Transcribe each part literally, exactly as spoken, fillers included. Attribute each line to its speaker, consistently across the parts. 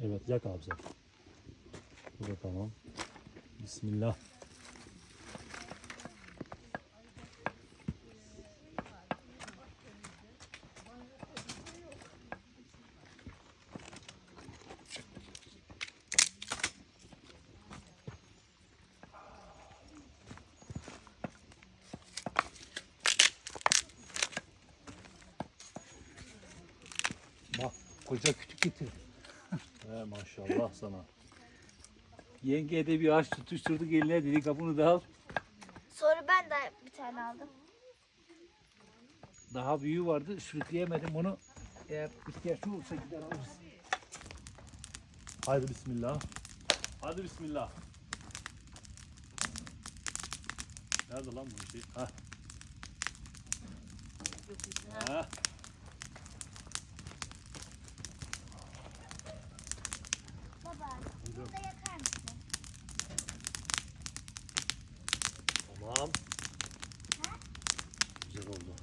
Speaker 1: Evet, yak abi sen. Bu da tamam. Bismillah.
Speaker 2: Bak koca kütük getir.
Speaker 1: He, maşallah sana.
Speaker 2: Yengeye de bir ağaç tutuşturduk eline, dedik ha bunu da al.
Speaker 3: Sonra ben de bir tane aldım.
Speaker 2: Daha büyüğü vardı, sürükleyemedim onu. Eğer ihtiyaç olursa gider alırız.
Speaker 1: Haydi bismillah. Hadi bismillah. Nerede lan bu şey? Ha. Ha.
Speaker 3: Baba, bunu da yakar mısın?
Speaker 1: Tamam. Güzel oldu.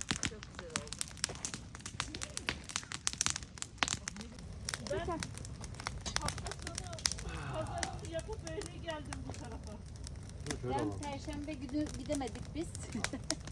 Speaker 4: Hafta sonu pazarını yapıp öyle geldim bu tarafa.
Speaker 1: Dur şöyle
Speaker 5: Ben
Speaker 1: alalım.
Speaker 5: Perşembe günü gidemedik biz.